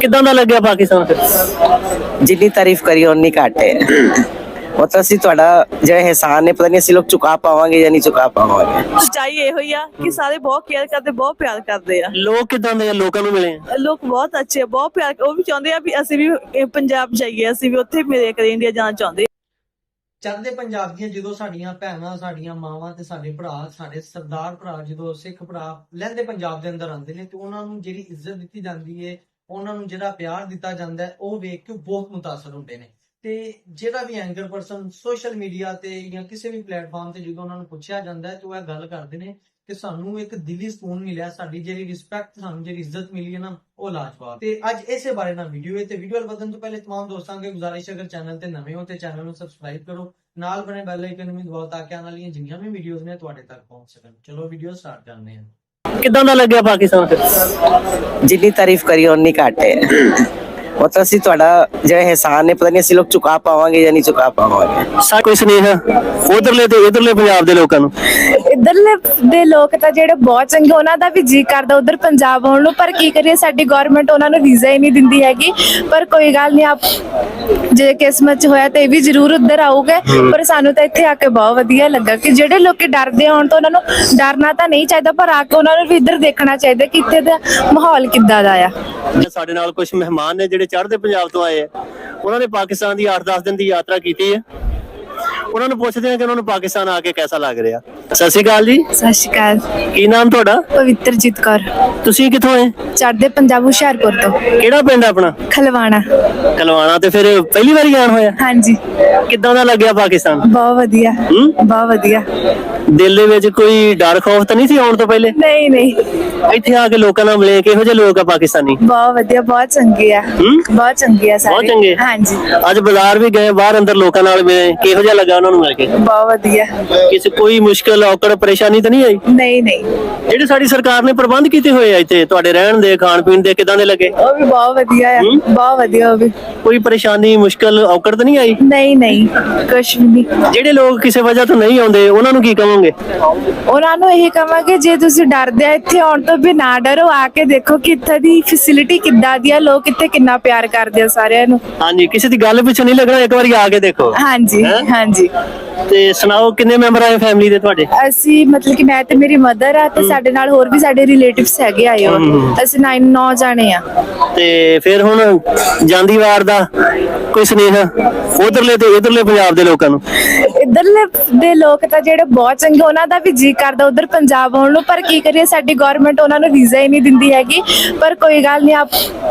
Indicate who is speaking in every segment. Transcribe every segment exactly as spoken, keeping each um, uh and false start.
Speaker 1: ਕਿੱਦਾਂ ਦਾ ਲੱਗਿਆ ਪਾਕਿਸਤਾਨ ਫਿਰ?
Speaker 2: जितनी तारीफ करी उन्नी घट है। मतलब ਅਸੀਂ ਤੁਹਾਡਾ ਜਿਹੜਾ ਇਹਸਾਨ ਹੈ ਪਤਾ ਨਹੀਂ ਅਸੀਂ ਲੋਕ ਚੁਕਾ ਪਾਵਾਂਗੇ ਜਾਂ ਨਹੀਂ ਚੁਕਾ ਪਾਵਾਂਗੇ।
Speaker 3: ਸੱਚਾਈ ਇਹੋ ਹੀ ਆ ਕਿ ਸਾਰੇ ਬਹੁਤ ਕੇਅਰ ਕਰਦੇ, ਬਹੁਤ ਪਿਆਰ ਕਰਦੇ ਆ।
Speaker 1: ਲੋਕ ਕਿੱਦਾਂ ਦੇ ਆ? ਲੋਕਾਂ ਨੂੰ ਮਿਲੇ ਆ?
Speaker 3: ਲੋਕ ਬਹੁਤ ਅੱਛੇ ਆ, ਬਹੁਤ ਪਿਆਰ, ਉਹ ਵੀ ਚਾਹੁੰਦੇ ਆ ਵੀ ਅਸੀਂ ਵੀ ਇਹ ਪੰਜਾਬ ਜਾਈਏ, ਅਸੀਂ ਵੀ ਉੱਥੇ ਮਿਲੇ ਕਰੇ, ਇੰਡੀਆ ਜਾਣਾ ਚਾਹੁੰਦੇ।
Speaker 4: ਚੜ੍ਹਦੇ ਪੰਜਾਬ ਦੀਆਂ ਜਦੋਂ ਸਾਡੀਆਂ ਭੈਣਾਂ, ਸਾਡੀਆਂ ਮਾਵਾਂ ਤੇ ਸਾਡੇ ਭਰਾ, ਸਾਡੇ ਸਰਦਾਰ ਭਰਾ, ਜਦੋਂ ਸਿੱਖ ਭਰਾ ਲਹਿੰਦੇ ਪੰਜਾਬ ਦੇ ਅੰਦਰ ਆਉਂਦੇ ਨੇ ਤੇ ਉਹਨਾਂ ਨੂੰ ਜਿਹੜੀ ਇੱਜ਼ਤ ਦਿੱਤੀ ਜਾਂਦੀ ਹੈ, ਉਹਨਾਂ ਨੂੰ ਜਿਹੜਾ ਪਿਆਰ ਦਿੱਤਾ ਜਾਂਦਾ ਹੈ, ਉਹ ਵੇਖ ਕੇ ਬਹੁਤ ਮੁਤਾਸਰ ਹੁੰਦੇ ਨੇ। ਤੇ ਜਿਹੜਾ ਵੀ ਐਂਕਰ ਪਰਸਨ ਸੋਸ਼ਲ ਮੀਡੀਆ ਤੇ ਜਾਂ ਕਿਸੇ ਵੀ ਪਲੇਟਫਾਰਮ ਤੇ ਜਦੋਂ ਉਹਨਾਂ ਨੂੰ ਪੁੱਛਿਆ ਜਾਂਦਾ ਹੈ ਤੇ ਉਹ ਇਹ ਗੱਲ ਕਰਦੇ ਨੇ ਕਿ ਸਾਨੂੰ ਇੱਕ ਦਿਲੀ ਸਕੂਨ ਮਿਲਿਆ, ਸਾਡੀ ਜਿਹੜੀ ਰਿਸਪੈਕਟ, ਸਾਨੂੰ ਜਿਹੜੀ ਇੱਜ਼ਤ ਮਿਲੀ ਹੈ ਨਾ, ਉਹ ਲਾਜਵਾਬ। ਤੇ ਅੱਜ ਇਸੇ ਬਾਰੇ ਨਾਲ ਵੀਡੀਓ ਹੈ ਤੇ ਵੀਡੀਓ ਵੱਲ ਵਧਣ ਤੋਂ ਪਹਿਲੇ तमाम ਦੋਸਤਾਂ ਅੱਗੇ ਗੁਜ਼ਾਰਿਸ਼, ਅਗਰ ਚੈਨਲ ਤੇ ਨਵੇਂ ਹੋ ਤੇ ਚੈਨਲ ਨੂੰ ਸਬਸਕ੍ਰਾਈਬ ਕਰੋ, ਨਾਲ ਬਣੇ ਬੈਲ ਆਈਕਨ ਨੂੰ ਵੀ ਦਬਾਓ ਤਾਂ ਕਿ ਆਉਣ ਵਾਲੀਆਂ ਜਿੰਨੀਆਂ ਵੀ ਵੀਡੀਓਜ਼ ਨੇ ਤੁਹਾਡੇ ਤੱਕ ਪਹੁੰਚ ਸਕਣ। ਚਲੋ ਵੀਡੀਓ ਸਟਾਰਟ ਕਰਦੇ ਹਾਂ।
Speaker 1: ਕਿੱਦਾਂ ਦਾ ਲੱਗਿਆ ਪਾਕਿਸਤਾਨ ਫਿਰ?
Speaker 2: ਜਿੰਨੀ ਤਾਰੀਫ ਕਰੀ ਉਨੀ ਘੱਟ ਹੈ। मतलब ਅਸੀਂ ਤੁਹਾਡਾ ਜਿਹੜਾ ਇਹਸਾਨ ਹੈ ਪਤਾ ਨਹੀਂ ਅਸੀਂ ਲੋਕ ਚੁਕਾ ਪਾਵਾਂਗੇ ਜਾਂ ਨਹੀਂ ਚੁਕਾ ਪਾਵਾਂਗੇ।
Speaker 1: ਸਾ ਕੋਈ ਸੁਨੇਹਾ ਉਧਰਲੇ ਤੇ ਇਧਰਲੇ ਪੰਜਾਬ ਦੇ ਲੋਕਾਂ ਨੂੰ?
Speaker 5: ਇੱਧਰਲੇ ਦੇ ਲੋਕ ਤਾਂ ਜਿਹੜੇ ਬਹੁਤ ਚੰਗੇ, ਉਹਨਾਂ ਦਾ ਵੀ ਜੀ ਕਰਦਾ ਉਧਰ ਪੰਜਾਬ ਆਉਣ ਨੂੰ, ਪਰ ਕੀ ਕਰੀਏ ਸਾਡੀ ਗਵਰਨਮੈਂਟ ਉਹਨਾਂ ਨੂੰ ਵੀਜ਼ਾ ਹੀ ਨਹੀਂ ਦਿੰਦੀ ਹੈਗੀ। ਪਰ ਕੋਈ ਗੱਲ ਨਹੀਂ, ਆਪ ਜੇ ਕਿਸਮਤ ਚ ਹੋਇਆ ਤੇ ਇਹ ਵੀ ਜ਼ਰੂਰ ਉੱਧਰ ਆਊਗੇ। ਪਰ ਸਾਨੂੰ ਤਾਂ ਇੱਥੇ ਆ ਕੇ ਬਹੁਤ ਵਧੀਆ ਲੱਗਾ ਕਿ ਜਿਹੜੇ ਲੋਕੀ ਡਰਦੇ ਆਉਣ ਤੋਂ, ਉਹਨਾਂ ਨੂੰ ਡਰਨਾ ਤਾਂ ਨਹੀਂ ਚਾਹੀਦਾ, ਪਰ ਆ ਕੇ ਉਹਨਾਂ ਨੂੰ ਵੀ ਇੱਧਰ ਦੇਖਣਾ ਚਾਹੀਦਾ ਕਿ ਇੱਥੇ ਦਾ ਮਾਹੌਲ ਕਿੱਦਾਂ ਦਾ ਆ।
Speaker 1: ਸਾਡੇ ਨਾਲ ਕੁਝ ਮਹਿਮਾਨ ਨੇ ਜਿਹੜੇ ਚੜ੍ਹਦੇ ਪੰਜਾਬ ਤੋਂ ਆਏ ਆ, ਉਹਨਾਂ ਨੇ ਪਾਕਿਸਤਾਨ ਦੀ ਅੱਠ ਦਸ ਦਿਨ ਦੀ ਯਾਤਰਾ ਕੀਤੀ ਹੈ। ਉਹਨਾਂ ਨੂੰ ਪੁੱਛਦੇ ਆ ਕਿ ਉਹਨਾਂ ਨੂੰ ਪਾਕਿਸਤਾਨ ਆ ਕੇ ਕਿਹਦਾ ਲੱਗ ਰਿਹਾ। ਸਤਿ ਸ਼੍ਰੀ ਅਕਾਲ ਜੀ।
Speaker 5: ਸਤਿ ਸ਼੍ਰੀ ਅਕਾਲ।
Speaker 1: ਕੀ ਨਾਮ ਤੁਹਾਡਾ?
Speaker 5: ਪਵਿੱਤਰਜੀਤ ਕੌਰ।
Speaker 1: ਤੁਸੀਂ ਕਿੱਥੋਂ ਆਏ?
Speaker 5: ਚੜ੍ਹਦੇ ਪੰਜਾਬ, ਹੁਸ਼ਿਆਰਪੁਰ ਤੋਂ।
Speaker 1: ਕਿਹੜਾ ਪਿੰਡ ਆਪਣਾ?
Speaker 5: ਖਲਵਾਣਾ।
Speaker 1: ਕਲਵਾਣਾ। ਤੇ ਫਿਰ ਪਹਿਲੀ ਵਾਰੀ ਆਣ ਹੋਇਆ?
Speaker 5: ਹਾਂਜੀ।
Speaker 1: ਕਿੱਦਾਂ ਦਾ ਲੱਗਿਆ ਪਾਕਿਸਤਾਨ?
Speaker 5: ਬਹੁਤ ਵਧੀਆ,
Speaker 1: ਹੂੰ?
Speaker 5: ਬਹੁਤ ਵਧੀਆ।
Speaker 1: ਦਿਲ ਦੇ ਵਿੱਚ ਕੋਈ ਡਰ ਖੌਫ ਤਾਂ ਨਹੀਂ ਸੀ ਆਉਣ ਤੋਂ ਪਹਿਲੇ?
Speaker 5: ਨਹੀਂ ਨਹੀਂ,
Speaker 1: ਇੱਥੇ ਆ ਕੇ ਲੋਕਾਂ ਨਾਲ ਮਿਲੇ, ਕਿਹੋ ਜਿਹੇ ਲੋਕ ਆ ਪਾਕਿਸਤਾਨੀ?
Speaker 5: ਬਹੁਤ ਵਧੀਆ, ਬਹੁਤ ਚੰਗੇ ਆ।
Speaker 1: ਹੂੰ?
Speaker 5: ਬਹੁਤ ਚੰਗੇ ਆ ਸਾਰੇ।
Speaker 1: ਬਹੁਤ ਚੰਗੇ।
Speaker 5: ਹਾਂਜੀ।
Speaker 1: ਅੱਜ ਬਾਜ਼ਾਰ ਵੀ ਗਏ, ਬਾਹਰ ਅੰਦਰ ਲੋਕਾਂ ਨਾਲ ਮਿਲੇ, ਕਿਹੋ ਜਿਹਾ ਲੱਗਾ ਉਹਨਾਂ ਨੂੰ ਮਿਲ ਕੇ?
Speaker 5: ਬਹੁਤ ਵਧੀਆ।
Speaker 1: ਕਿਸੇ ਕੋਈ ਮੁਸ਼ਕਲ ਔਕੜ ਪਰੇਸ਼ਾਨੀ ਤਾਂ ਨਹੀਂ ਆਈ?
Speaker 5: ਨਹੀਂ ਨਹੀਂ,
Speaker 1: ਜਿਹੜੇ ਸਾਡੀ ਸਰਕਾਰ ਨੇ ਪ੍ਰਬੰਧ ਕੀਤੇ ਹੋਏ ਆ ਇੱਥੇ ਤੁਹਾਡੇ ਰਹਿਣ ਦੇ, ਖਾਣ ਪੀਣ ਦੇ, ਕਿਦਾਂ ਦੇ ਲੱਗੇ?
Speaker 5: ਉਹ ਵੀ ਬਹੁਤ ਵਧੀਆ ਆ।
Speaker 1: ਹੂੰ?
Speaker 5: ਬਹੁਤ ਵਧੀਆ। ਉਹ ਵੀ
Speaker 1: ਕੋਈ ਪਰੇਸ਼ਾਨੀ ਮੁਸ਼ਕਲ ਔਕੜ ਤਾਂ ਨਹੀਂ ਆਈ?
Speaker 5: ਨਹੀਂ ਨਹੀਂ, ਕੁਛ ਵੀ ਨਹੀਂ।
Speaker 1: ਜਿਹੜੇ ਲੋਕ ਕਿਸੇ ਵਜ੍ਹਾ ਤੋਂ ਨਹੀਂ ਆਉਂਦੇ ਉਹਨਾਂ ਨੂੰ ਕੀ ਕਹੋਗੇ?
Speaker 5: ਉਹਨਾਂ ਨੂੰ ਇਹੀ ਕਹਾਂਗੇ ਜੇ ਤੁਸੀਂ ਡਰਦੇ ਆ ਇੱਥੇ ਆਉਣ ਤੋਂ ਵੀ ਨਾ ਡਰੋ, ਆ ਕੇ ਦੇਖੋ ਕਿ ਇੱਥੇ ਦੀ ਫੈਸਿਲਿਟੀ ਕਿੱਦਾਂ ਦੀ ਆ, ਲੋਕ ਇੱਥੇ ਕਿੰਨਾ ਪਿਆਰ ਕਰਦੇ ਆ ਸਾਰਿਆਂ ਨੂੰ।
Speaker 1: ਹਾਂਜੀ, ਕਿਸੇ ਦੀ ਗੱਲ ਪਿੱਛੇ ਨਹੀਂ ਲੱਗਣਾ, ਇੱਕ ਵਾਰੀ ਆ ਕੇ ਦੇਖੋ।
Speaker 5: ਹਾਂਜੀ ਹਾਂਜੀ।
Speaker 1: ਤੇ ਸੁਣਾਓ, ਕਿੰਨੇ ਮੈਂਬਰ ਆਏ ਫੈਮਿਲੀ ਦੇ ਤੁਹਾਡੇ?
Speaker 5: ਅਸੀਂ ਮਤਲਬ ਕਿ ਮੈਂ ਤੇ ਮੇਰੀ ਮਦਰ ਆ ਤੇ ਸਾਡੇ ਨਾਲ ਹੋਰ ਵੀ ਸਾਡੇ ਰਿਲੇਟਿਵਸ ਹੈਗੇ ਆਏ ਹੋ। ਅਸੀਂ ਨੌ ਨੌ ਜਾਣੇ ਆ।
Speaker 1: ਤੇ ਫਿਰ ਹੁਣ ਜਾਂਦੀ ਵਾਰ ਦਾ ਕੋਈ ਸੁਨੇਹਾ ਉਧਰਲੇ ਤੇ ਇਧਰਲੇ ਪੰਜਾਬ ਦੇ ਲੋਕਾਂ ਨੂੰ?
Speaker 5: ਇੱਧਰਲੇ ਦੇ ਲੋਕ ਤਾਂ ਜਿਹੜੇ ਬਹੁਤ ਚੰਗੇ, ਉਹਨਾਂ ਦਾ ਵੀ ਜੀ ਕਰਦਾ ਉਧਰ ਪੰਜਾਬ ਆਉਣ ਨੂੰ, ਪਰ ਕੀ ਕਰੀਏ ਸਾਡੀ ਗਵਰਨਮੈਂਟ ਉਹਨਾਂ ਨੂੰ ਵੀਜ਼ਾ ਹੀ ਨਹੀਂ ਦਿੰਦੀ ਹੈਗੀ। ਪਰ ਕੋਈ ਗੱਲ ਨਹੀਂ, ਆਪ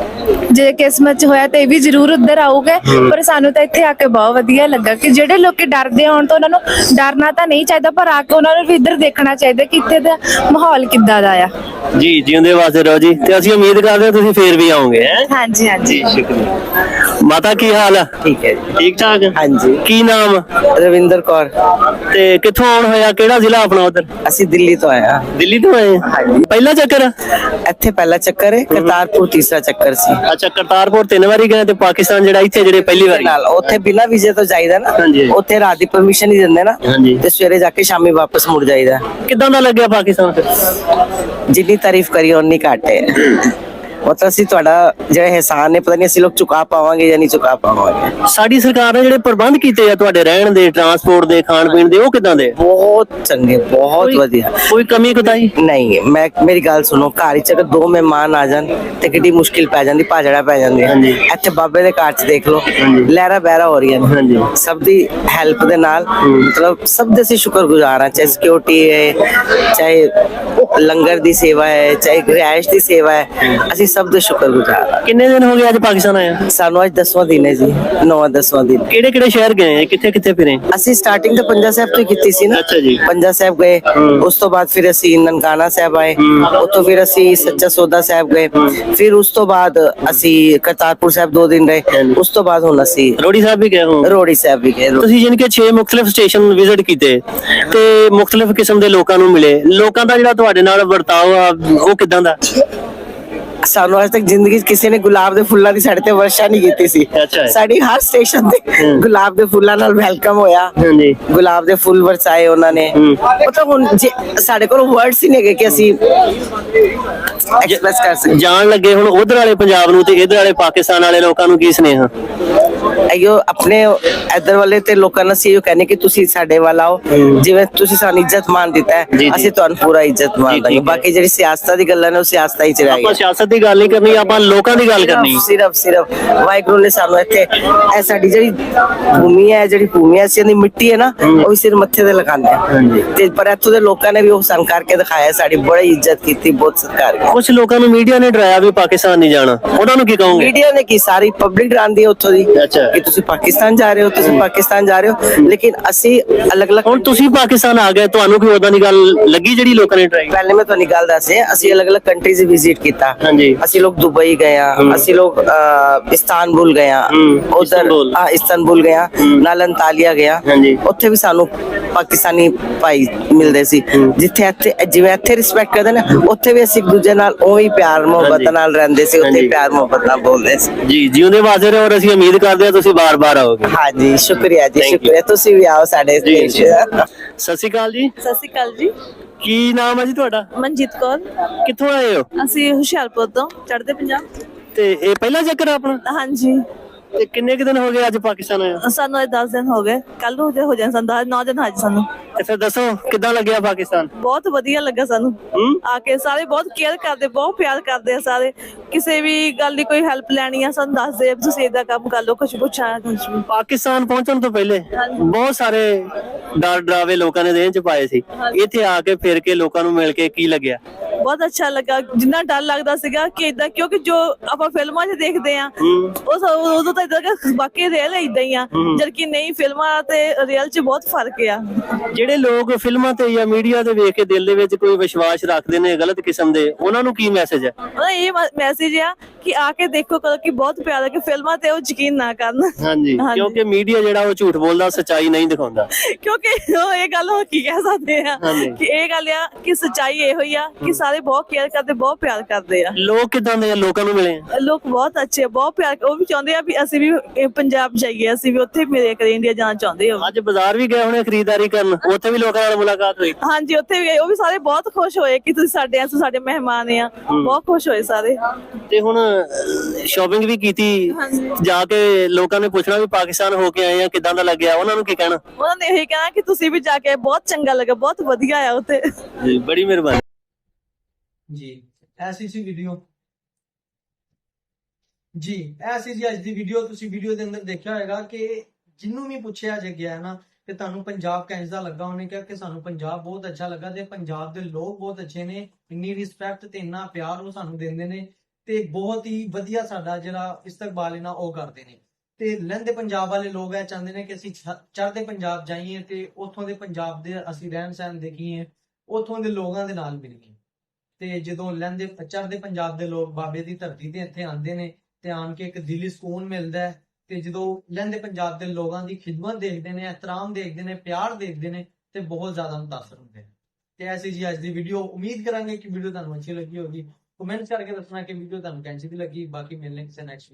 Speaker 5: ਜੇ ਕਿਸਮਤ ਚ ਹੋਇਆ ਤੇ ਇਹ ਵੀ ਜ਼ਰੂਰ ਉੱਧਰ ਆਊਗੇ। ਪਰ ਸਾਨੂੰ ਤਾਂ ਇੱਥੇ ਆ ਕੇ ਬਹੁਤ ਵਧੀਆ ਲੱਗਾ ਕਿ ਜਿਹੜੇ ਲੋਕੀ ਡਰਦੇ ਆਉਣ ਤੋਂ, ਉਹਨਾਂ ਨੂੰ ਡਰਨਾ ਤਾਂ ਨਹੀਂ ਚਾਹੀਦਾ, ਪਰ ਆ ਕੇ ਉਹਨਾਂ ਨੂੰ ਵੀ ਇੱਧਰ ਦੇਖਣਾ ਚਾਹੀਦਾ ਕਿ ਇੱਥੇ ਦਾ ਮਾਹੌਲ ਕਿੱਦਾਂ ਦਾ ਆ।
Speaker 1: ਜੀ ਜਿਉਂਦੇ ਵਾਸਤੇ ਰਹੋ ਜੀ, ਤੇ ਅਸੀਂ ਉਮੀਦ ਕਰਦੇ ਹਾਂ ਤੁਸੀਂ ਫੇਰ ਵੀ ਆਓਗੇ।
Speaker 5: ਹਾਂਜੀ ਹਾਂਜੀ।
Speaker 1: ਸ਼ੁਕਰੀਆ। ਮਾਤਾ ਕੀ ਹਾਲ ਆ?
Speaker 2: ਠੀਕ ਹੈ ਜੀ।
Speaker 1: ਠੀਕ ਠਾਕ?
Speaker 2: ਹਾਂਜੀ।
Speaker 1: ਕੀ ਨਾਮ?
Speaker 2: ਰਵਿੰਦਰ ਕੌਰ।
Speaker 1: ਤੇ ਕਿੱਥੋਂ ਆਉਣ ਹੋਇਆ? ਕਿਹੜਾ ਜ਼ਿਲ੍ਹਾ ਆਪਣਾ ਉਧਰ?
Speaker 2: ਅਸੀਂ ਦਿੱਲੀ ਤੋਂ ਆਏ ਹਾਂ।
Speaker 1: ਦਿੱਲੀ ਤੋਂ ਆਏ? ਪਹਿਲਾ ਚੱਕਰ?
Speaker 2: ਇੱਥੇ ਪਹਿਲਾ ਚੱਕਰ ਹੈ, ਕਰਤਾਰਪੁਰ ਤੀਸਰਾ ਚੱਕਰ ਸੀ।
Speaker 1: ਅੱਛਾ, ਕਰਤਾਰਪੁਰ ਤਿੰਨ ਵਾਰੀ ਗਏ ਤੇ ਪਾਕਿਸਤਾਨ ਜਿਹੜਾ ਇੱਥੇ ਜਿਹੜੇ ਪਹਿਲੀ ਵਾਰੀ?
Speaker 2: ਨਾਲ ਉੱਥੇ ਬਿਨਾਂ ਵੀਜ਼ੇ ਤੋਂ ਜਾਈਦਾ ਨਾ,
Speaker 1: ਹਾਂਜੀ।
Speaker 2: ਉੱਥੇ ਰਾਤ ਦੀ ਪਰਮਿਸ਼ਨ ਹੀ ਦਿੰਦੇ ਨਾ,
Speaker 1: ਹਾਂਜੀ।
Speaker 2: ਤੇ ਸਵੇਰੇ ਜਾ ਕੇ ਸ਼ਾਮੀ ਵਾਪਸ ਮੁੜ ਜਾਈਦਾ।
Speaker 1: ਕਿੱਦਾਂ ਦਾ ਲੱਗਿਆ ਪਾਕਿਸਤਾਨ ਫਿਰ?
Speaker 2: ਜਿੰਨੀ ਤਾਰੀਫ ਕਰੀ ਉਨੀ ਘੱਟ ਹੈ। मतलब ਅਸੀਂ ਤੁਹਾਡਾ ਜਿਹੜਾ ਇਹਸਾਨ ਹੈ ਪਤਾ ਨਹੀਂ ਅਸੀਂ ਲੋਕ ਚੁਕਾ ਪਾਵਾਂਗੇ ਜਾਂ ਨਹੀਂ ਚੁਕਾ ਪਾਵਾਂਗੇ।
Speaker 1: ਸਾਡੀ ਸਰਕਾਰ ਨੇ ਜਿਹੜੇ ਪ੍ਰਬੰਧ ਕੀਤੇ ਆ ਤੁਹਾਡੇ ਰਹਿਣ ਦੇ, ਟਰਾਂਸਪੋਰਟ ਦੇ, ਖਾਣ ਪੀਣ ਦੇ, ਉਹ ਕਿਦਾਂ ਦੇ?
Speaker 2: ਬਹੁਤ ਚੰਗੇ, ਬਹੁਤ
Speaker 1: ਕੋਈ-
Speaker 2: ਵਧੀਆ।
Speaker 1: ਕੋਈ ਕਮੀ ਕੁਤਾਈ
Speaker 2: ਨਹੀਂ, ਮੈਂ ਮੇਰੀ ਗੱਲ ਸੁਣੋ, ਘਰ ਚ ਅਗਰ ਦੋ ਮਹਿਮਾਨ ਆ ਜਾਣ ਤੇ ਕਿੰਨੀ ਮੁਸ਼ਕਿਲ ਪੈ ਜਾਂਦੀ, ਭਾਜੜਾ ਪੈ ਜਾਂਦੀ।
Speaker 1: ਹਾਂਜੀ।
Speaker 2: ਇੱਥੇ ਬਾਬੇ ਦੇ ਘਰ ਚ ਦੇਖ ਲਓ,
Speaker 1: ਹਾਂਜੀ।
Speaker 2: ਲਹਿਰਾ ਬਹਿਰਾ ਹੋ ਰਹੀਆਂ ਨੇ।
Speaker 1: ਹਾਂਜੀ।
Speaker 2: ਸਭ ਦੀ ਹੈਲਪ ਦੇ ਨਾਲ, ਮਤਲਬ ਸਭ ਦੇ ਅਸੀਂ ਸ਼ੁਕਰਗੁਜ਼ਾਰ ਹਾਂ, ਚਾਹੇ ਸਿਕਿਉਰਿਟੀ ਹੈ, ਚਾਹੇ ਲੰਗਰ ਦੀ ਸੇਵਾ ਹੈ, ਚਾਹੇ ਰਿਹਾਇਸ਼ ਦੀ ਸੇਵਾ ਹੈ, ਅਸੀਂ ਸਭ ਦੇ ਸ਼ੁਕਰਗੁਜ਼ਾਰ।
Speaker 1: ਕਿੰਨੇ ਦਿਨ ਹੋ ਗਏ ਅੱਜ ਪਾਕਿਸਤਾਨ ਆਇਆ?
Speaker 2: ਸਾਨੂੰ ਅੱਜ ਦਸਵਾਂ ਦਿਨ ਹੈ ਜੀ, ਨੌਵਾਂ ਦਸਵਾਂ ਦਿਨ।
Speaker 1: ਕਿਹੜੇ ਕਿਹੜੇ ਸ਼ਹਿਰ ਗਏ, ਕਿੱਥੇ ਕਿੱਥੇ ਫਿਰੇ?
Speaker 2: ਅਸੀਂ ਸਟਾਰਟਿੰਗ ਤਾਂ ਪੰਜਾ ਸਾਹਿਬ ਤੋਂ ਹੀ ਕੀਤੀ ਸੀ ਨਾ।
Speaker 1: ਅੱਛਾ ਜੀ।
Speaker 2: ਪੰਜਾ ਸਾਹਿਬ ਗਏ, ਉਸ ਤੋਂ ਬਾਅਦ ਫਿਰ ਅਸੀਂ ਨਨਕਾਣਾ ਸਾਹਿਬ ਆਏ, ਉੱਥੋਂ ਫਿਰ ਅਸੀਂ ਸੱਚਾ ਸੌਦਾ ਸਾਹਿਬ ਗਏ, ਫਿਰ ਉਸ ਤੋਂ ਬਾਅਦ ਅਸੀਂ ਕਰਤਾਰਪੁਰ ਸਾਹਿਬ ਦੋ ਦਿਨ ਰਹੇ, ਉਸ ਤੋਂ ਬਾਅਦ ਹੁਣ ਅਸੀਂ
Speaker 1: ਰੋੜੀ ਸਾਹਿਬ ਵੀ ਗਏ ਹੋ?
Speaker 2: ਰੋੜੀ ਸਾਹਿਬ ਵੀ ਗਏ।
Speaker 1: ਤੁਸੀਂ ਜਿਨ ਕੇ ਛੇ ਮੁxtਲਿਫ ਸਟੇਸ਼ਨ ਵਿਜ਼ਿਟ ਕੀਤੇ ਤੇ ਮੁxtਲਿਫ ਕਿਸਮ ਦੇ ਲੋਕਾਂ ਨੂੰ ਮਿਲੇ, ਲੋਕਾਂ ਦਾ ਜਿਹੜਾ ਤੁਹਾਡੇ ਨਾਲ ਵਰਤਾਓ ਆ ਉਹ ਕਿਦਾਂ ਦਾ?
Speaker 2: ਸਾਨੂੰ ਅੱਜ ਤੱਕ ਜ਼ਿੰਦਗੀ 'ਚ ਕਿਸੇ ਨੇ ਗੁਲਾਬ ਦੇ ਫੁੱਲਾਂ ਦੀ ਸਾਡੇ ਤੇ ਵਰਸ਼ਾ ਨਹੀਂ ਕੀਤੀ ਸੀ।
Speaker 1: ਅੱਛਾ।
Speaker 2: ਸਾਡੀ ਹਰ ਸਟੇਸ਼ਨ ਤੇ ਗੁਲਾਬ ਦੇ ਫੁੱਲਾਂ ਨਾਲ ਵੈਲਕਮ ਹੋਇਆ,
Speaker 1: ਹਾਂਜੀ।
Speaker 2: ਗੁਲਾਬ ਦੇ ਫੁੱਲ ਵਰਸਾਏ ਉਹਨਾਂ ਨੇ। ਮਤਲਬ ਹੁਣ ਜੇ ਸਾਡੇ ਕੋਲ ਵਰਡਸ ਹੀ ਨਹੀਂ ਹੈਗੇ ਕਿ ਅਸੀਂ ਐਕਸਪ੍ਰੈਸ ਕਰ ਸਕਦੇ।
Speaker 1: ਜਾਣ ਲੱਗੇ ਹੁਣ ਉਧਰ ਵਾਲੇ ਪੰਜਾਬ ਨੂੰ ਤੇ ਇਧਰ ਵਾਲੇ ਪਾਕਿਸਤਾਨ ਵਾਲੇ ਲੋਕਾਂ ਨੂੰ ਕੀ ਸੁਨੇਹਾ?
Speaker 2: ਅਯੋ ਆਪਣੇ ਇੱਧਰ ਵਾਲੇ ਤੇ ਲੋਕਾਂ ਨੂੰ ਅਸੀਂ ਇਹ ਕਹਿੰਦੇ ਕਿ ਤੁਸੀਂ ਸਾਡੇ ਵੱਲ ਆਓ, ਜਿਵੇਂ ਤੁਸੀਂ ਸਾਨੂੰ ਇੱਜ਼ਤ ਮਾਨ ਦਿੱਤਾ ਹੈ
Speaker 1: ਜੀ।
Speaker 2: ਅਸੀਂ ਤੁਹਾਨੂੰ ਪੂਰਾ ਇੱਜ਼ਤ ਮਾਨ
Speaker 1: ਠੀਕ
Speaker 2: ਦਾਂਗੇ।
Speaker 1: ਹੈ।
Speaker 2: ਬਾਕੀ ਜਿਹੜੀ ਸਿਆਸਤਾਂ ਦੀ ਗੱਲਾਂ ਨੇ ਉਹ ਸਿਆਸਤਾਂ ਹੀ ਚ ਰਹਿ
Speaker 1: ਆਪਾਂ
Speaker 2: ਗਈਆਂ।
Speaker 1: ਸਿਆਸਤ ਦੀ ਗੱਲ ਨਹੀਂ ਕਰਨੀ, ਆਪਾਂ ਲੋਕਾਂ ਦੀ ਗੱਲ ਕਰਨੀ।
Speaker 2: ਸਿਰਫ ਸਿਰਫ ਵਾਹਿਗੁਰੂ ਨੇ ਸਾਨੂੰ ਇੱਥੇ ਇਹ ਸਾਡੀ ਜਿਹੜੀ ਭੂਮੀ ਹੈ, ਜਿਹੜੀ ਭੂਮੀ ਹੈ ਅਸੀਂ ਦੀ ਮਿੱਟੀ ਹੈ ਨਾ, ਉਹ ਵੀ ਸਿਰ ਮੱਥੇ ਤੇ ਲਗਾਉਂਦੇ ਹਾਂ ਤੇ ਪਰ ਇੱਥੋਂ ਦੇ ਲੋਕਾਂ ਨੇ ਵੀ ਉਹ ਸਾਨੂੰ ਕਰਕੇ ਦਿਖਾਇਆ, ਸਾਡੀ ਬੜੀ ਇੱਜ਼ਤ ਕੀਤੀ, ਬਹੁਤ ਸਤਿਕਾਰ ਕੀਤਾ।
Speaker 1: ਕੁਝ ਲੋਕਾਂ ਨੂੰ ਮੀਡੀਆ ਨੇ ਡਰਾਇਆ ਵੀ ਪਾਕਿਸਤਾਨ ਨਹੀਂ ਜਾਣਾ, ਉਹਨਾਂ ਨੂੰ ਕੀ ਕਹੋਗੇ?
Speaker 2: ਮੀਡੀਆ ਨੇ ਕੀ ਸਾਰੀ ਪਬਲਿਕ ਡਰਾਉਂਦੀ ਹੈ ਉੱਥੋਂ ਦੀ
Speaker 1: ਅੱਛਾ।
Speaker 2: ਕਿ ਤੁਸੀਂ ਪਾਕਿਸਤਾਨ ਜਾ ਰਹੇ ਹੋ, ਤੁਸੀਂ ਪਾਕਿਸਤਾਨ ਜਾ ਰਹੇ ਹੋ, ਲੇਕਿਨ ਅਸੀਂ ਅਲੱਗ-ਅਲੱਗ
Speaker 1: ਹੁਣ ਤੁਸੀਂ ਪਾਕਿਸਤਾਨ ਆ ਗਏ, ਤੁਹਾਨੂੰ ਕੋਈ ਉਦਾਂ ਦੀ ਗੱਲ ਲੱਗੀ ਜਿਹੜੀ ਲੋਕਾਂ ਨੇ ਡਰਾਈ?
Speaker 2: ਪਹਿਲੇ ਮੈਂ ਤੁਹਾਨੂੰ ਗੱਲ ਦੱਸ ਰਿਹਾ, ਅਸੀਂ ਅਲੱਗ-ਅਲੱਗ ਕੰਟਰੀਜ਼ ਵਿਜ਼ਿਟ ਕੀਤਾ।
Speaker 1: ਹਾਂਜੀ।
Speaker 2: ਅਸੀਂ ਲੋਕ ਦੁਬਈ ਗਏ ਆ, ਅਸੀਂ ਲੋਕ ਅਹ, ਇਸਤਾਨਬੁਲ ਗਏ ਆ, ਉਧਰ
Speaker 1: ਇਸਤਾਨਬੁਲ।
Speaker 2: ਹਾਂ ਇਸਤਾਨਬੁਲ ਗਏ ਆ, ਨਾਲ ਅੰਤਾਲੀਆ ਗਿਆ,
Speaker 1: ਹਾਂਜੀ।
Speaker 2: ਉੱਥੇ ਵੀ ਸਾਨੂੰ ਪਾਕਿਸਤਾਨੀ ਭਾਈ ਮਿਲਦੇ ਸੀ। ਜਿੱਥੇ ਇੱਥੇ ਜਿਵੇਂ ਇੱਥੇ ਰਿਸਪੈਕਟ ਕਰਦੇ ਨੇ, ਉੱਥੇ ਵੀ ਅਸੀਂ ਇੱਕ ਦੂਜੇ ਨਾਲ ਉਹੀ ਪਿਆਰ ਮੁਹੱਬਤ
Speaker 1: ਹਾਂਜੀ।
Speaker 2: ਨਾਲ ਰਹਿੰਦੇ ਸੀ, ਉੱਥੇ
Speaker 1: ਹਾਂਜੀ।
Speaker 2: ਪਿਆਰ ਮੁਹੱਬਤ ਨਾਲ ਬੋਲਦੇ ਸੀ।
Speaker 1: ਜੀ ਜਿਉਂਦੇ ਵਾਜ਼ੇ ਰਹੋ, ਔਰ ਅਸੀਂ ਉਮੀਦ ਕਰਦੇ ਹਾਂ ਤੁਸੀਂ ਬਾਰ-ਬਾਰ ਆਓਗੇ।
Speaker 2: ਹਾਂਜੀ ਸ਼ੁਕਰੀਆ ਜੀ,
Speaker 1: Thank you।
Speaker 2: ਸ਼ੁਕਰੀਆ, ਤੁਸੀਂ ਵੀ ਆਓ ਸਾਡੇ
Speaker 1: ਜੀ,
Speaker 2: ਦੇਸ਼।
Speaker 1: ਜੀ। ਸਤਿ ਸ਼੍ਰੀ ਅਕਾਲ ਜੀ,
Speaker 3: ਸਤਿ ਸ਼੍ਰੀ ਅਕਾਲ ਜੀ।
Speaker 1: ਕੀ ਨਾਮ ਹੈ ਜੀ ਤੁਹਾਡਾ?
Speaker 3: ਮਨਜੀਤ ਕੌਰ।
Speaker 1: ਕਿੱਥੋਂ ਆਏ ਹੋ?
Speaker 3: ਅਸੀਂ ਹੁਸ਼ਿਆਰਪੁਰ ਤੋਂ, ਚੜ੍ਹਦੇ ਪੰਜਾਬ।
Speaker 1: ਤੇ ਇਹ ਪਹਿਲਾ ਚੱਕਰ ਆ ਆਪਣਾ?
Speaker 3: ਹਾਂਜੀ,
Speaker 1: ਤੇ ਕਿੰਨੇ ਕੁ ਦਿਨ ਹੋ ਗਏ ਅੱਜ ਪਾਕਿਸਤਾਨ ਆਏ ਹੋ?
Speaker 3: ਸਾਨੂੰ ਇਹ ਦਸ ਦਿਨ ਹੋ ਗਏ, ਕੱਲ ਨੂੰ ਹੋ ਜਾਣ ਸਾਨੂੰ ਨੌ ਦਿਨ ਅੱਜ ਸਾਨੂੰ।
Speaker 1: ਤੇ ਫਿਰ ਦੱਸੋ ਕਿੱਦਾਂ ਲੱਗਿਆ ਪਾਕਿਸਤਾਨ?
Speaker 3: ਬਹੁਤ ਵਧੀਆ ਲੱਗਾ ਸਾਨੂੰ
Speaker 1: ਹੂੰ?
Speaker 3: ਆ ਕੇ। ਸਾਰੇ ਬਹੁਤ ਕੇਅਰ ਕਰਦੇ, ਬਹੁਤ ਪਿਆਰ ਕਰਦੇ ਆ ਸਾਰੇ। ਕਿਸੇ ਵੀ ਗੱਲ ਦੀ ਕੋਈ ਹੈਲਪ ਲੈਣੀ ਆ ਸਾਨੂੰ ਦੱਸਦੇ ਆ ਵੀ ਤੁਸੀਂ ਏਦਾਂ ਕੰਮ ਕਰ ਲਓ, ਕੁਝ ਪੁੱਛਾਂ ਕੁਝ ਵੀ।
Speaker 1: ਪਾਕਿਸਤਾਨ ਪਹੁੰਚਣ ਤੋਂ ਪਹਿਲੇ ਬਹੁਤ ਸਾਰੇ ਡਰ ਡਰਾਵੇ ਲੋਕਾਂ ਨੇ ਦੇਹ ਚ ਪਾਏ ਸੀ, ਇੱਥੇ ਆ ਕੇ ਫਿਰ ਕੇ ਲੋਕਾਂ ਨੂੰ ਮਿਲ ਕੇ ਕੀ ਲੱਗਿਆ?
Speaker 3: ਬਹੁਤ ਅੱਛਾ ਲੱਗਾ। ਜਿੰਨਾ ਡਰ ਲੱਗਦਾ ਸੀਗਾ ਕਿ ਏਦਾਂ, ਕਿਉਂਕਿ ਜੋ ਆਪਾਂ ਫਿਲਮਾਂ 'ਚ ਦੇਖਦੇ ਆ ਉਹ ਸ- ਉਦੋਂ ਤਾਂ ਏਦਾਂ ਕਿ ਬਾਕੀ ਰੀਅਲ ਏਦਾਂ ਹੀ ਆ, ਜਦਕਿ ਨਹੀਂ, ਫਿਲਮਾਂ ਤੇ ਰੀਅਲ 'ਚ ਬਹੁਤ ਫਰਕ ਆ।
Speaker 1: ਜਿਹੜੇ ਲੋਕ ਫਿਲਮਾਂ ਤੇ ਜਾਂ ਮੀਡੀਆ ਤੇ ਵੇਖ ਕੇ ਦਿਲ ਦੇ ਵਿੱਚ ਕੋਈ ਵਿਸ਼ਵਾਸ ਰੱਖਦੇ ਨੇ ਗਲਤ ਕਿਸਮ ਦੇ, ਉਹਨਾਂ ਨੂੰ ਕੀ ਮੈਸੇਜ ਹੈ?
Speaker 3: ਉਹਦਾ ਇਹ ਮੈਸੇਜ ਆ ਕਿ ਆ ਕੇ ਦੇਖੋ ਕਰੋ ਕਿ ਬਹੁਤ ਪਿਆਰਾ, ਕਿ ਫਿਲਮਾਂ ਤੇ ਉਹ ਯਕੀਨ ਨਾ ਕਰਨ।
Speaker 1: ਹਾਂਜੀ,
Speaker 3: ਹਾਂਜੀ।
Speaker 1: ਕਿਉਂਕਿ ਮੀਡੀਆ ਜਿਹੜਾ ਉਹ ਝੂਠ ਬੋਲਦਾ, ਸੱਚਾਈ ਨਹੀਂ ਦਿਖਾਉਂਦਾ।
Speaker 3: ਕਿਉਂਕਿ ਉਹ ਇਹ ਗੱਲ ਉਹ ਕੀ ਕਹਿ ਸਕਦੇ ਆ
Speaker 1: ਹਾਂਜੀ।
Speaker 3: ਕਿ ਇਹ ਗੱਲ ਆ ਕਿ ਸੱਚਾਈ ਇਹੋ ਹੀ ਆ ਕਿ ਸਾਰੇ ਬਹੁਤ ਕੇਅਰ ਕਰਦੇ, ਬਹੁਤ ਪਿਆਰ ਕਰਦੇ ਆ।
Speaker 1: ਲੋਕ ਕਿਦਾਂ ਦੇ ਆ? ਲੋਕਾਂ ਨੂੰ ਮਿਲੇ ਆ?
Speaker 3: ਲੋਕ ਬਹੁਤ ਅੱਛੇ ਆ, ਬਹੁਤ ਪਿਆਰ, ਉਹ ਵੀ ਚਾਹੁੰਦੇ ਆ ਵੀ ਅਸੀਂ ਵੀ ਇਹ ਪੰਜਾਬ ਜਾਈਏ, ਅਸੀਂ ਵੀ ਉੱਥੇ ਮਿਲੇ ਕਰੇ, ਇੰਡੀਆ ਜਾਣਾ ਚਾਹੁੰਦੇ ਹੋ।
Speaker 1: ਅੱਜ ਬਾਜ਼ਾਰ ਵੀ ਗਏ ਹੋਣੇ ਖਰੀਦਦਾਰੀ ਕਰਨ, ਉੱਥੇ ਵੀ ਲੋਕਾਂ ਨਾਲ ਮੁਲਾਕਾਤ ਹੋਈ?
Speaker 3: ਹਾਂਜੀ, ਉੱਥੇ ਵੀ ਗਏ, ਉਹ ਵੀ ਸਾਰੇ ਬਹੁਤ ਖੁਸ਼ ਹੋਏ ਕਿ ਤੁਸੀਂ ਸਾਡੇ ਆ, ਤੁਸੀਂ ਸਾਡੇ ਮਹਿਮਾਨ ਆ, ਬਹੁਤ ਖੁਸ਼ ਹੋਏ ਸਾਰੇ।
Speaker 1: ਤੇ ਹੁਣ ਸ਼ਾਪਿੰਗ ਵੀ ਕੀਤੀ, ਜਾ ਕੇ ਲੋਕਾਂ ਨੇ ਪੁੱਛਣਾ ਵੀ ਪਾਕਿਸਤਾਨ ਹੋ ਕੇ ਆਏ ਆ, ਕਿਦਾਂ ਦਾ ਲੱਗਿਆ? ਉਹਨਾਂ ਨੂੰ ਕੀ ਕਹਿਣਾ?
Speaker 3: ਉਹਨਾਂ ਨੇ ਇਹ ਕਹਿਣਾ ਕਿ ਤੁਸੀਂ ਵੀ ਜਾ ਕੇ, ਬਹੁਤ ਚੰਗਾ ਲੱਗਾ, ਬਹੁਤ ਵਧੀਆ ਆ ਉੱਥੇ।
Speaker 1: ਜੀ ਬੜੀ ਮਿਹਰਬਾਨੀ
Speaker 4: ਜੀ। ਐਸੀ ਸੀ ਵੀਡੀਓ ਜੀ, ਐਸੀ ਜੀ ਅੱਜ ਦੀ ਵੀਡੀਓ। ਤੁਸੀਂ ਵੀਡੀਓ ਦੇ ਅੰਦਰ ਦੇਖਿਆ ਹੋਏਗਾ ਕਿ ਜਿਹਨੂੰ ਵੀ ਪੁੱਛਿਆ ਜੇ ਗਿਆ ਨਾ ਕਿ ਤੁਹਾਨੂੰ ਪੰਜਾਬ ਕਿਹਦਾ ਲੱਗਾ, ਉਹਨੇ ਕਿਹਾ ਕਿ ਸਾਨੂੰ ਪੰਜਾਬ ਬਹੁਤ ਅੱਛਾ ਲੱਗਾ ਤੇ ਪੰਜਾਬ ਦੇ ਲੋਕ ਬਹੁਤ ਅੱਛੇ ਨੇ, ਇੰਨੀ ਰਿਸਪੈਕਟ ਤੇ ਇੰਨਾ ਪਿਆਰ ਉਹ ਸਾਨੂੰ ਦਿੰਦੇ ਨੇ ਤੇ ਬਹੁਤ ਹੀ ਵਧੀਆ ਸਾਡਾ ਜਿਹੜਾ ਇਸਤਕਬਾਲ ਹੈ ਨਾ ਉਹ ਕਰਦੇ ਨੇ। ਤੇ ਲਹਿੰਦੇ ਪੰਜਾਬ ਵਾਲੇ ਲੋਕ ਇਹ ਚਾਹੁੰਦੇ ਨੇ ਕਿ ਅਸੀਂ ਚੜ੍ਹਦੇ ਪੰਜਾਬ ਜਾਈਏ ਤੇ ਉੱਥੋਂ ਦੇ ਪੰਜਾਬ ਦੇ ਅਸੀਂ ਰਹਿਣ ਸਹਿਣ ਦੇਖੀਏ, ਉੱਥੋਂ ਦੇ ਲੋਕਾਂ ਦੇ ਨਾਲ ਮਿਲੀਏ। ਤੇ ਜਦੋਂ ਲਹਿੰਦੇ ਚੜ੍ਹਦੇ ਪੰਜਾਬ ਦੇ ਲੋਕ ਬਾਬੇ ਦੀ ਧਰਤੀ ਤੇ ਇੱਥੇ ਆਉਂਦੇ ਨੇ ਤੇ ਆਣ ਕੇ ਇੱਕ ਦਿਲੀ ਸਕੂਨ ਮਿਲਦਾ ਹੈ। ਤੇ ਜਦੋਂ ਲਹਿੰਦੇ ਪੰਜਾਬ ਦੇ ਲੋਕਾਂ ਦੀ ਖਿਦਮਤ ਦੇਖਦੇ ਨੇ, ਇਹਤਰਾਮ ਦੇਖਦੇ ਨੇ, ਪਿਆਰ ਦੇਖਦੇ ਨੇ ਤੇ ਬਹੁਤ ਜ਼ਿਆਦਾ ਮੁਤਾਸਰ ਹੁੰਦੇ ਨੇ। ਤੇ ਐਸੀ ਜੀ ਅੱਜ ਦੀ ਵੀਡੀਓ। ਉਮੀਦ ਕਰਾਂਗੇ ਕਿ ਵੀਡੀਓ ਤੁਹਾਨੂੰ ਅੱਛੀ ਲੱਗੀ ਹੋਗੀ। ਕਮੈਂਟ ਕਰਕੇ ਦੱਸਣਾ ਕਿ ਵੀਡੀਓ ਤੁਹਾਨੂੰ ਕਿਹੋ ਜਿਹੀ ਲੱਗੀ। ਬਾਕੀ ਮਿਲਣੇ ਕਿਸੇ ਨੈਕਸਟ